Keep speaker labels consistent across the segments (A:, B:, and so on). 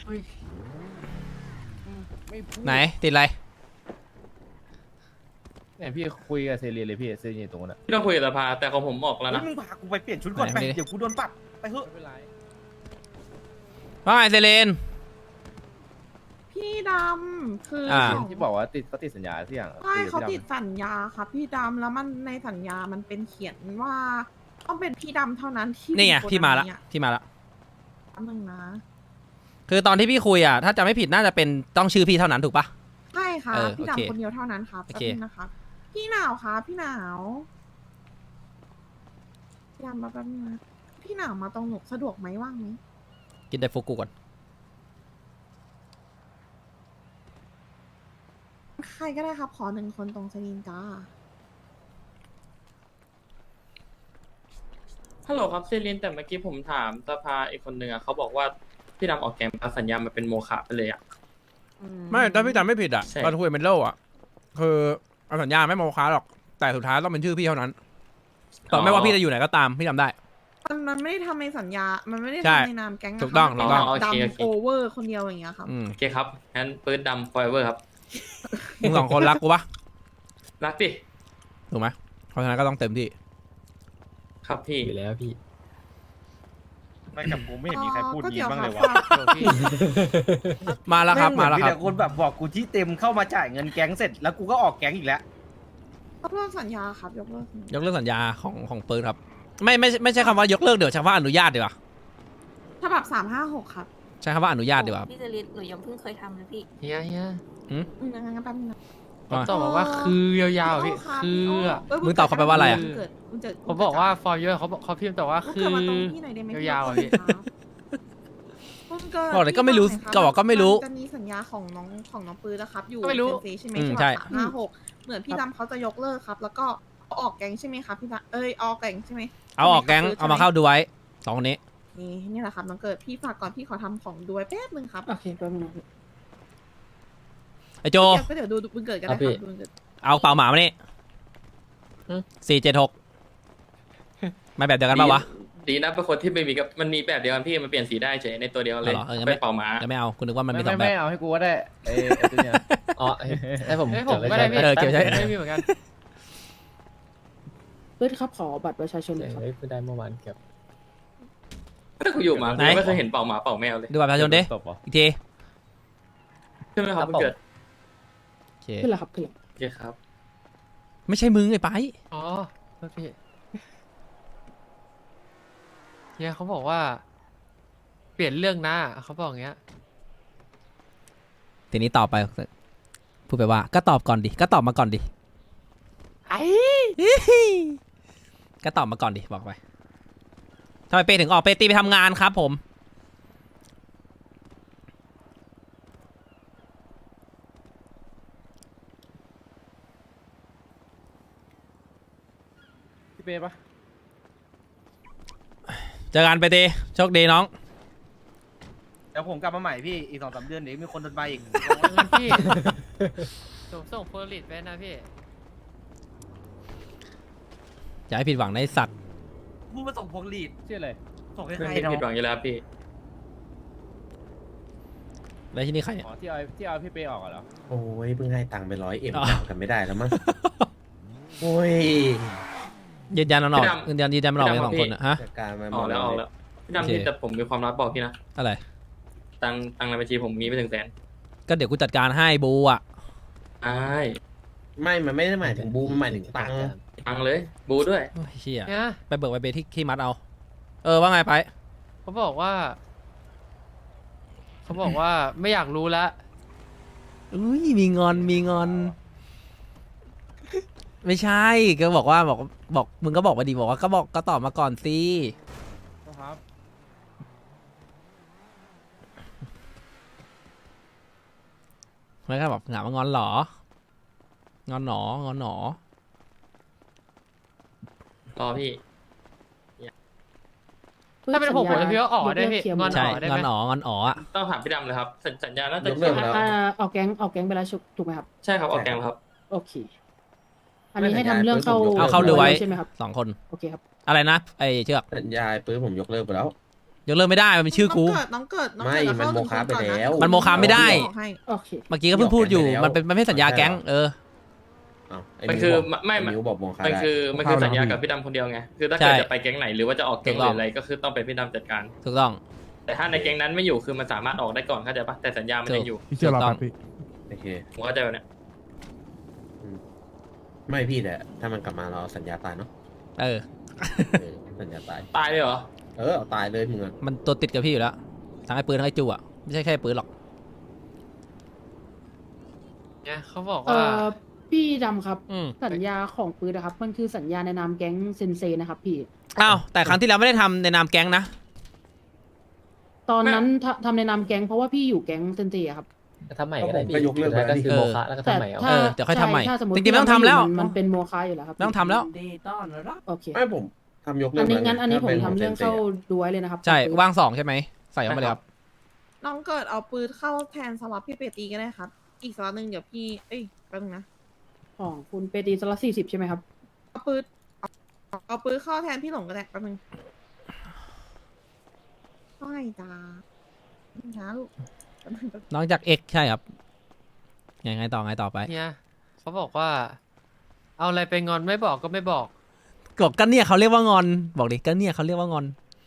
A: ไหนติดอะไร
B: เนี่ยพี่คุยกับเซเรียเลยพี่เซเรียตรงนั้น
C: พี่ต้องคุยกับสภาแต่ของผมออกแล้วนะ
D: มึงพากูไปเปลี่ยนชุดก่อนไปเดี๋ยวกูโดนปรับไปเถอะ
B: ไม่เป็นไร
A: ว่าไงเซเลน
E: พี่ดำคือ
A: อ่า
B: ที่บอกว่าเขาติดสัญญาที่อย่าง
E: ใช่เขาติดสัญญาครับพี่ดำแล้วมันในสัญญามันเป็นเขียนว่าต้องเป็นพี่ดำเท่านั้นที่
A: นี่ไง
E: มี
A: พี่มาละ
E: โกดังเนี่ย
A: พี่มาละ
E: แป๊บนึงนะ
A: คือตอนที่พี่คุยอ่ะถ้าจำไม่ผิดน่าจะเป็นต้องชื่อพี่เท่านั้นถูกปะ
E: ใช่ค่ะ
A: เออ
E: พี่
A: โอเค
E: ดำคนเดียวเท่านั้นครับ
A: โอ
E: แป๊บ
A: เค
E: นึงนะครับพี่หนาวครับพี่หนาวพี่ดำมาแป๊บนึงนะพี่หนาวมาตรงหนูสะดวกไหมว่างไหม
A: กินไดฟุกุก่อน
E: ใครก็ได้ครับขอ1 คนตรงสลินจ้า
C: ฮัลโหลครับเซรินแต่เมื่อกี้ผมถามสภาอีกคนนึงอะเขาบอกว่าพี่ดำออกแกมสัญญามันเป็นโมฆะไปเลยอะ
A: ไม่ถ้าพี่จำไม่ผิดอ่ะ
C: ใช่
A: ตอนคุยกับเมนโลอ่ะคือเอาสัญญาไม่โมค้าหรอกแต่สุดท้ายต้องเป็นชื่อพี่เท่านั้นต่อไม่ว่าพี่จะอยู่ไหนก็ตามพี่จำได้
E: มันไม่ได้ทำในสัญญา มันไม่ได้
A: ใช่
E: ทำในนามแก๊งนะคะ
A: ถูกต้อง
E: มัน
A: ถูกต้อง
E: เป็นดำโอเวอร์คนเดียวอย่างเงี้ยครับ
A: อืม
C: โอเคครับงั้นปืนดำฟอยเวอร์ครับ
A: มึงสองคนรักกูปะ
C: รักดิ
A: ถูกไหมเพราะฉะนั้นก็ต้องเต็มที่
C: ครับพี่
F: อยู่แล้วพี่
D: ไม่กับกูไม่เห็นมีใครพูดงี้บ้างเลยวะ
A: มาแล้วครับมาแล้ว
D: มี
A: ครั
D: แต่
A: บ
D: คนแบบบอกกูที่เต็มเข้ามาจ่ายเงินแก๊งเสร็จแล้วกูก็ออกแก๊งอีกแล้ว
E: ยกเลิกสัญญาครับยกเลิกสัญญาย
A: กเลิกสัญญาของปืนครับไม่ใช่คำว่ายกเลิกเดี๋ยวใช้คำว่าอนุญาตดีกว่า
E: ฉบับ356ครับ
A: ใช้คำว่าอนุญาตดีกว่า
G: พี่จริตหนูยังเพิ่งเคยทำเลยพี่
F: เฮีย
E: งั้นแป๊บนึงนะ
A: ว่า
F: ตอบมาว่าคือยาวๆพี่ คือ
A: มึงตอบเขาไปว่าอะไรอะ
F: ผมบอกว่า for you เขาพิมพ์แต่ว่า
E: คื
F: คือ อ
E: มาตรงที่ไหนได้ไหม
F: ยาวๆอะพี่
A: บอกเลยก็ไม่รู้ก็บอกก็ไม่รู้
E: จะมีสัญญาของน้องปืนนะครับ อยู่
F: ก็ไม่รู้
E: เซนซีใช่ไหม
A: อืม
E: ฉ
A: ใช่
E: บับ356เหมือนพี่ดำเขาจะยกเลิกครับ แล้วก็เอาออกแก๊งใช่ไหมครับพี่ดำออกแก๊งใช่ไหม
A: เอาออกแก๊งเอามาเข้าดูไว้สองคนนี้
E: นี่แหละครับน้องเกิดพี่ฝากก่อนพี่ขอทำของด้วยแป๊บนึงครับโอเคแป๊บนึง
A: ไอโจ
E: ก็เดี๋ยวดูบุญเกิดกันได้
F: ครับพี่
E: ครับบุญเกิด
A: เอาเป่าหมามานี่
F: อืม
A: 476ไม่แบบเดียวกันปะวะ
C: ดีนะเป็นคนที่ไม่มีกับมันมีแบบเดียวกันพี่มันเปลี่ยนสีได้เฉยในตัวเดียวกันเลย
A: อ๋อเหรองั้น
C: ไป
A: ไม่
C: เป่าหมา
A: จะไม่เอาคุณนึกว่ามันมีส
B: ไม่
A: องแบ
B: ไม่
A: บ
B: เอาให้กูก็ได้ไอ้ตัวเนี้ย
F: อ๋อให้ผมให้ผมก็ได้พี่
A: เออเก็บไว้ใช้
F: ไม่มีเหมือนกัน
H: เพื่อนครับขอบัตรประชาชนหน่อยครับ
F: เฮ้ยไม่ได้เมื่อวานเก็บ
C: ถ้ากูอยู่มา
A: ไหน
C: กูไม่เคยเห็นเป่าหมาเป่าแมวเลย
A: ดูบัตรประชาชนดิ
B: ตบเหรอ
A: อีกที
C: ใช่ไหมครับมันเกิด
A: โอเค
H: ขึ้นแล้วครับขึ้นแล้ว
C: โอเคครับ
A: ไม่ใช่มึงไอ้ไป
F: อ๋อโทษพี่เฮียเขาบอกว่า เปลี่ยนเรื่องนะเขาบอกอย่างเงี้ย
A: ทีนี้ตอบไปพูดไปว่าก็ตอบก่อนดิก็ตอบมาก่อนดิ
F: ไอ้
A: ก็ตอบมาก่อนดิบอกไปทำไมเป้ถึงออกเป้ตีไปทำงานครับผม
B: พี่เป้ปะ
A: เจอกันไปตีโชคดีน้อง
D: เดี๋ยวผมกลับมาใหม่พี่อีก2-3 เดือนเดี๋ยวมีคนโดนไปอีก
F: เงินพี่ส่งโพลิสไปนะพี่
A: อย่าให้ผิดหวังในะไอ้สัตว์
D: พูดมาส่งพวงลีด
B: ชื่ออะไร
D: ส่งให้
C: ไม่
D: ใคร
C: ผิด
D: เนาะ
C: หวังอยู่แล้วพี่
A: แล้วที่นี่ใครเนี่ย
B: อ๋อที่เอาพี่เป้ออกเหรอ
I: โอ้ยเพิ่งให้ตังค์ไป100 M
A: อ๋อ
I: จ่ายกันไม่ได้แล้วมั้ง โอ้ย
A: ยืนยันมันออก
C: พี่ดำ
A: ยืนยันมันออกเป็นสองคนนะฮะ
I: จัดการมาห
C: อ
I: ม
C: อก
I: ด
C: แล้วออก
I: เล
C: แล้
I: ยว
C: พี่ดำ
A: โอเค
C: ที่แต่ผมมีความลับบอกพี่นะ
A: อะไร
C: ตังในบัญชีผมมีไม่ถึงแสน
A: ก็เดี๋ยวกูจัดการให้บูอ่ะ
C: ใช่
I: ไม่มันไม่ได้หมายถึงบูมมันหมายถึงตังค์
C: ตังเลยบูด้วย
A: โอ้ยเฮีย
F: เนี่ย
A: ไปเบิกไปเบที่มัดเอา ว่าไงไป
F: เขาบอกว่าไม่อยากรู้แล้ว
A: อุ้ยมีงอนมีงอน ไม่ใช่ก็บอกว่าบอกมึงก็บอกมาดีบอกว่าก็ตอบมาก่อนสิ
B: ครับ
A: ไม่ก็บอกหงามางอนเหรองอนหนองอนหนอ
C: รอพี่
F: ถ้าเป็นผมจะพี่ว่าอ๋อได้พี่
H: ยกเลิกเคลียร์หม
F: งอ
H: ด
F: น
A: ใช่
F: อ๋อได้
A: ง
F: ไห
A: อ
F: ม
A: นหนองอนอ๋ออ่ะ
C: ต้องถามพี่ดำเลยครับสัญญาน่าจะ
I: ยกเลิกแล้ว
H: ออกแก๊งไปแล้วถูกไหมครับ
C: ใช่ครับออกแกงครับ
H: โอเค อันนี้ให้ทำเรื่องเข้า
A: เอาเข้าดูไว้
H: ใช่ไหมครับ
A: 2 คน
H: โอเคครับ
A: อะไรนะไอเชือก
I: สัญญาปื้มผมยกเลิกไปแล้ว
A: ยกเลิกไม่ได้มันเป็นชื่อกู
E: น้องเกิด
I: ไม่มันโมฆะไปแล้ว
A: มันโมฆะไม่ได้
H: โอเค
A: เมื่อกี้ก็เพิ่งพูดอยู่มันเป็นมันไม่ใช่สัญญาแก๊ง
I: ใช่เหรอ
A: เออ
C: มันคือไม่
I: ไอ้มิวบอกโมฆะ
C: มัน
I: ได้
C: คือสัญญากับพี่ดำคนเดียวไงคือถ้าเกิด
A: ใช่
C: จะไปแก๊งไหนหรือว่าจะออกแก๊ง
A: ถูกต้อง
C: หรืออะไรก็คือต้องเป็นพี่ดำจัดการ
A: ถูกต้อง
C: แต่ถ้าในแก๊งนั้นไม่อยู่คือมันสามารถออกได้ก่อนเข้าใจปะแต่สัญญามันยังอยู่
J: พี่เชื่อเราครับพี่
I: โอเค
C: ผมเข้าใจแบบเนี้ย
I: ไม่พี่แต่ถ้ามันกลับมาเราเอาสัญญาตายเนาะ
A: เออ
I: สัญญาตาย
C: ตายเลยเหรอ
I: เอาตายเลยมึงอะ
A: มันตัวติดกับพี่อยู่แล้วทั้งไอ้ปืนทั้งไอ้จูอ่ะไม่ใช่แค่ปืนหรอก
F: เนี่ยเขาบอก
H: เอ่
F: ว่า
H: อพี่ดำครับ
A: อืม
H: สัญญาของปืนนะครับ มันคือสัญญาในนามแก๊งเซนเซนะครับพี่
A: อ้าวแต่ครั้งที่แล้วไม่ได้ทำในนามแก๊งนะ
H: ตอนนั้นทำในนามแก๊งเพราะว่าพี่อยู่แก๊งเซนเซอะครับ
I: ทำใหม่ก็ได้ก็ยกเลิกแล้วดิ
A: เออ
H: แต่ถ้า
A: เดี๋ยวค่อยทำใหม่
H: ช่ถ้าสมมติ
A: จริงๆไม่ต้องทำแล้ว
H: มันเป็นโมฆะอยู่แล้วครับ
A: ไม่ต้องทำแล้ว
H: โอเค
I: ไม่ผมทำยกเลิ
H: อั
I: ก
H: นนี้
I: แล้ว
H: งั้นอันนี้ผม
I: ถ้ป็
H: ทำเรื่อง
I: ซนซ
H: เข้าดูไว้เลยนะครับ
A: ใช่
H: ปืน
A: ว่าง2ใช่ไหมใส่เข้ามาเลยครับ
E: น้องเกิดเอาปืนเข้าแทนสล็อตพี่เปตีก็ได้ครับ อีกสล็อตหนึ่งเดี๋ยวพี่แป๊บนึงนะ
H: ของคุณเปตีสล็อต40ใช่ไหมครับ
E: เอาปืนเข้าแทนพี่หลงก็ได้แป๊บนึงไม่จ้าช้าลูกแป๊บนึง
A: น้องจากเอกใช่ครับไงต่อไป
F: เนี่ยเขาบอกว่า เอาอะไรไปงอนไม่บอกก็ไม่บอก
A: ก็เนี่ยเขาเรียกว่างอนบอกดิก็เนี่ยเขาเรียกว่างอน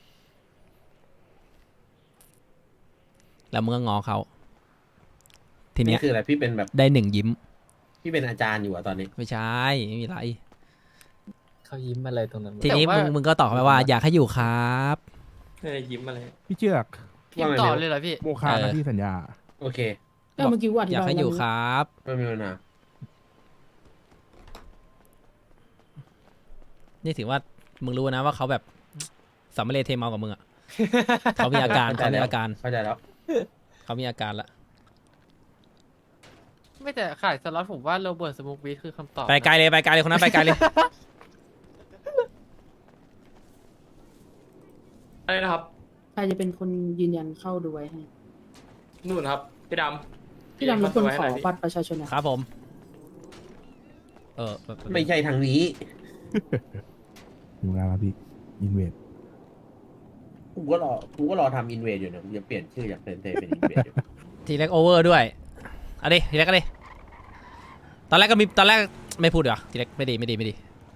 A: แล้วมึงก็งอเขาทีเนี้
I: นี่
A: ย
I: คืออะไรพี่เป็นแบบ
A: ได้1ยิ้ม
I: พี่เป็นอาจารย์อยู่อะตอนนี้
A: ไม่ใช่ไม่มีไร
F: เขายิ้มอะไรตรงนั้น
A: ทีนี้
F: แต่ว่า
A: มึงก็ตอบเขาไปว่าอยากให้อยู่ครับ
C: ยิ้มอะไร
J: พี่เชือก
F: พิมพ์ต่อเลยเหรอพี่
J: โมฆะนะพี่สัญญา
I: โอเค
H: ก็เมื่อกี้ว่าอธิ
A: อยาก
H: บาย
A: ให้อยู่
H: แล้ว
A: ครับ
I: ไม่มีปัญหา
A: นี่ถือว่ามึงรู้นะว่าเขาแบบสัมมาเลเทเมากับมึงอ่ะ เขามีอาการเขามีอาการ
I: เข้าใจแล้ว
A: เขามีอาการละ
F: ไม่แต่ขายสล็อตผมว่าโรเบิร์ตสมุกวีคือคำตอบ
A: ไปไกลเลยคนนั้นไปไกลเลย
C: อะไรนะครับ
H: ใครจะเป็นคนยืนยันเข้าดูไว้ให้
C: นู่นครับพี่ดำ
H: พี่ดำรบกวนขอ
C: ให้หน่ยดิ
H: บัตรประชาชนหนะครับ
A: ผม
I: ไม่ใช่ทางนี้
J: อยู่แล้วครับพี่อินเวด
I: กูก็รอทำอินเวดอยู่เนี่ยกูจะเปลี่ยนชื่อจากเซนเซเป็นอินเวดอยู่
A: ทีแรกโอเวอร์ด้วยเอาดิทีแรกก็ดิตอนแรกไม่พูดเหรอทีแรกไม่ดี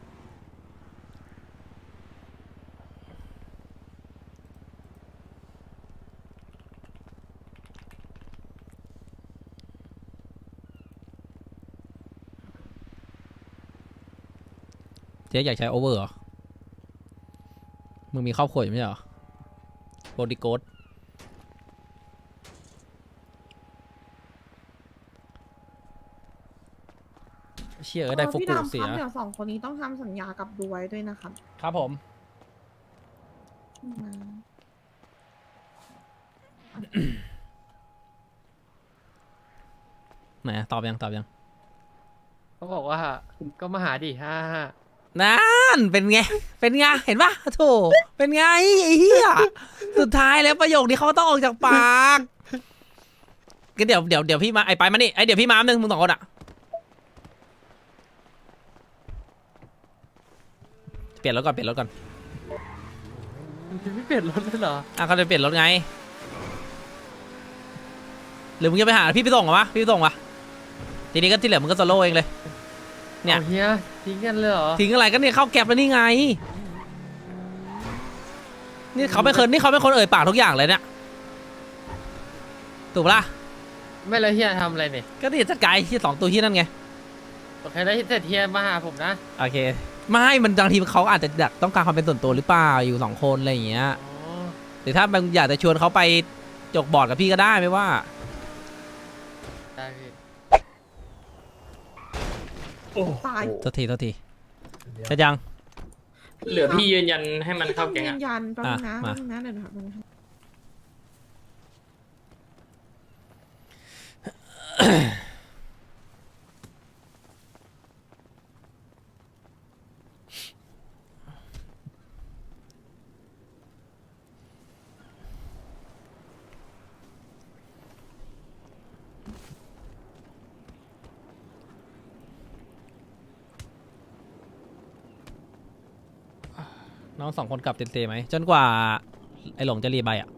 A: ทีแรกอยากใช้โอเวอร์เหรอมึงมีครอบครัวอยู่ไม่ใช่เหรอโบดิโกดเชี่ยก็ได้ฟุก
E: พี่
A: กู
E: ดำ
A: เสี
E: ค
A: ย
E: รับเดี๋ยวสองคนนี้ต้องทำสัญญากับดูไว้ด้วยนะครับ
A: ครับผม ไหนอะตอบยัง
F: เขาบอกว่าก็มาหาดิฮ่า
A: นั่นเป็นไงเห็นปะโถเป็นไงไอ้เหี้ยสุดท้ายแล้วประโยคนี้เขาต้องออกจากปากก็เดี๋ยวพี่มาไอ้ไปมานี่ไอ้เดี๋ยวพี่มาหนึ่งมึง2 คนอะเปลี่ยนรถก่อน
F: มันไม่เปลี่ยนรถเลยเหรอ
A: อ่ะเขาจะเปลี่ยนรถไงหรือมึงจะไปหาพี่ไปส่งเหรอวะพี่ไปส่งวะทีนี้ก็ที่เหลือมึงก็โซโล่เองเลย เนี่ย
F: อาเฮียทิ้งกันเลยเหรอ
A: ทิ้งอะไรก็เนี่ยเข้าแก็บแล้วนี่ไงนี่เขาเป็นคนเอ่ยปากทุกอย่างเลยเนี่ยถูกปะล่ะ
F: ไม่เลยเฮียทำอะไรเนี่ย
A: ก็นี่จัดการที่2 ตัวที่นั่นไง
F: โอเคแล้วแต่เฮียมาหาผมนะ
A: โอเคไม่มันบางทีเขาอาจจะอยากต้องการความเป็นส่วนตัวหรือเปล่าอยู่2 คนอะไรอย่างเงี้ย
F: อ๋อ
A: หรือถ้ามันอยากจะชวนเขาไปจกบอร์ดกับพี่ก็ได้ไม่ว่า
F: ได้พี่
E: ตาย
A: โทษทีจะยัง
C: เหลือพี่ยืนยันให้มันเข้าแก๊ง
E: ยื
C: อะ
E: นยันแป๊บนึงนะ
A: มา
E: แป๊บนึงนะเดี๋ยวนะครับ
A: น้อง2 คนกลับเต็มๆไหมจนกว่าไอ้หลงจะรีใบอ่ะ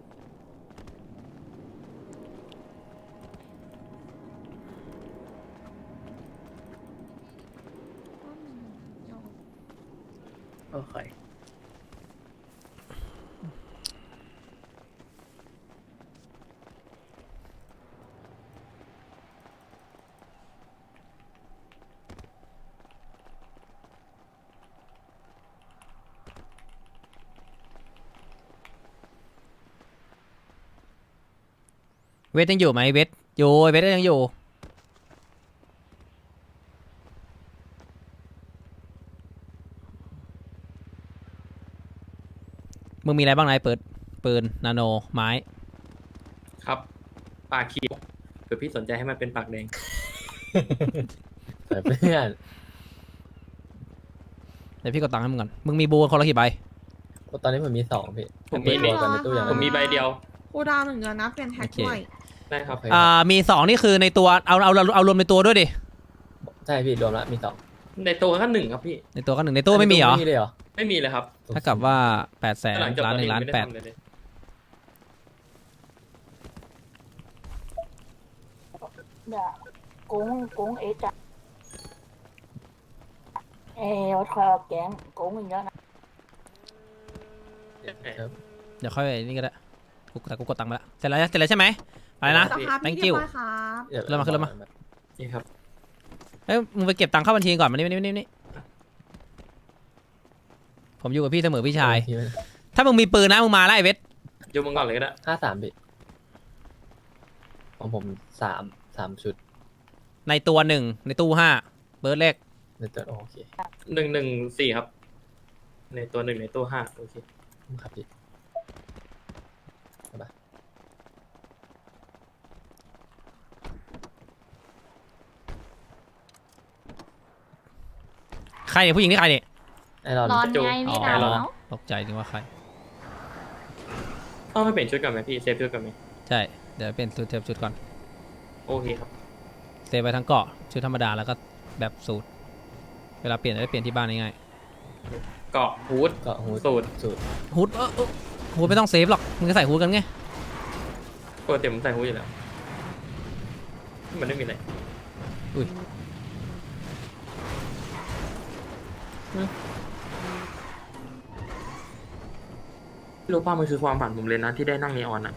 F: โอเค
A: เวทยังอยู่ไหมเวทอยู่เวทยังอยู่มึงมีอะไรบ้างนายเปิดปืนนาโนไม้
C: ครับ ปากเขียวเผื่อพี่สนใจให้มันเป็นปากแดง
F: แต่เพื่อน
A: เดี๋ยวพี่กดตังค์ให้มึงก่อนมึงมีบูคนละกี่ใบ
F: ตอนนี้ผมมี2พี่
C: ผมมี
F: รวมกันในตู้อย่าง
C: ผมมีใบเดียว
E: กูดาว1 เดือนนะเป็นแท็กด้วย
C: ได้ครับ
A: มี2นี่คือในตัวเอารวมในตัวด้วยดิ
F: ใช่พี่รวมแล้วมี2
C: ในตัวก็1ครับพี่
A: ในตัวก็1ในตัวไม่มีเหรอ
F: ไม่มีเลยเหรอ
C: ไม่มีเลยครับ
A: ถ้ากับว่า800,000
C: หลังจาก
A: ล้าน
C: ตอน
A: 1
C: นี้
A: ล้าน
C: ไม่ได้
A: 8
C: ทำอะไรเลย
G: cũng ý chắc khoa kén cũng mình nhớ
A: เดี๋ยวค่อยนี่ก็ได้แต่กูกดตังค์ไปแล้วเสร็จแล้วใช่ไหมอะไรนะ
E: สภาพ
A: thank
E: พี่เรีย
A: you
E: บร้อยครับ
A: เริ่มมา
C: นี่ครับ
A: เอ้ยมึงไปเก็บตังค์เข้าบัญชีก่อนมานี่ผมอยู่กับพี่เสมอพี่ชาย ถ้ามึงมีปืนนะมึงมาแล้วไอ้เวท
C: โยมมึงก่อนเลยก็ได้
F: 53พี่ของผม3ชุด
A: ในตัว1ในตู้5เบิร์ดเลข
F: ในตัวโอเค
C: 114ครับ ในตัว1ในตัว5โอเค
F: ครับพี่
A: ใครเนี่ยผู้หญิงนี่ใครเนี่ย
F: ไอรอน
G: ร้อน
C: จู
G: ไงพี่
A: อ๋อ
G: ดาวเนาะ
A: ตกใจนึกว่าใคร
C: ต้องให้เปลี่ยนชุดก่อนไหมพี่เซฟชุดก่อนไหม
A: ใช่เดี๋ยวเป็นชุดก่อน
C: โอเคครับ
A: เซฟไปทั้งเกาะชุดธรรมดาแล้วก็แบบสูตรเวลาเปลี่ยนจะได้เปลี่ยนที่บ้านง่าย
C: เกาะฮูด
F: ก็หู
C: สูตร
A: ๆฮูดฮูดไม่ต้องเซฟหรอกมึงก็ใส่ฮูดกันไง
C: ปกติผมใส่ฮูดอยู่แล้ว มันไม่มีอะไร
A: อุ้ย
C: รู้ป่ะมันคือความฝันผมเลยนะที่ได้นั่งนีออนอ่ะ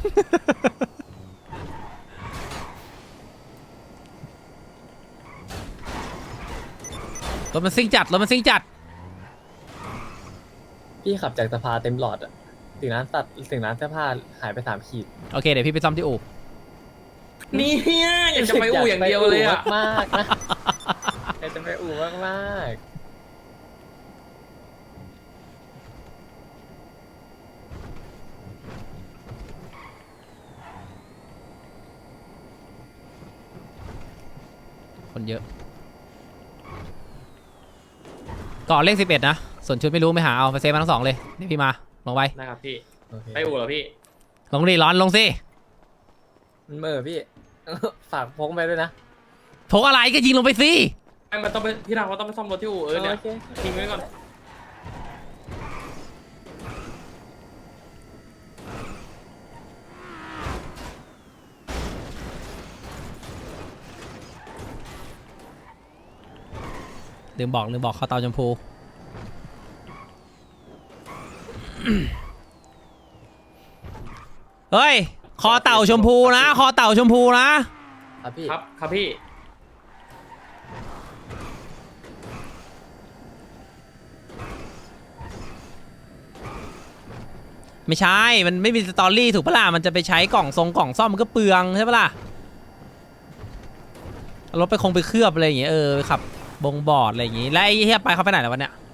A: รถมันซิ่งจัด
F: พี่ขับจากสภาเต็มหลอดอะถึงร้านเสื้อผ้าหายไป3 ขีด
A: โอเคเดี๋ยวพี่ไปซ่อมที่อู่
C: นี่อยากจะไปอู่อย่างเดียวเลยอ่ะ
F: มากๆนะอยากจะไปอู่มากๆ
A: คนเยอะเกาะเลข11นะส่วนชุดไม่รู้ไม่หาเอาไปเซฟมาทั้ง2เลยเดี๋ยวพี่มาลงไป
C: ได้ครับพี่
F: โอเค
C: ไปอู่เหรอพี่
A: ลงดิร้อนลงสิ
F: มันเหม่อพี่ ฝากพกไปด้วยนะ
A: พกอะไรก็ยิงลงไปสิ
C: ไอ้มันต้องไปพี่ดาวเขาต้องไปซ่อมรถที่อู่เนี่ย
F: โอเค
C: ทิ้งไว้ก่อน
A: ลืมบอกเข้าเตาชมพู เฮ้ยคอเต่าชมพูนะคอเต่าชมพูนะครับ
F: พี่
C: ครับครับพี่
A: ไม่ใช่มันไม่มีสตอรี่ถูกปะล่ะมันจะไปใช้กล่องซ่อมมันก็เปลืองใช่ปะล่ะเอารถไปเคลือบอะไรอย่างเงี้ยขับบงบอร์ดอะไรอย่างงี้แล้วไอ้เฮียไปเขาไปไหนแล้ววันเนี้ย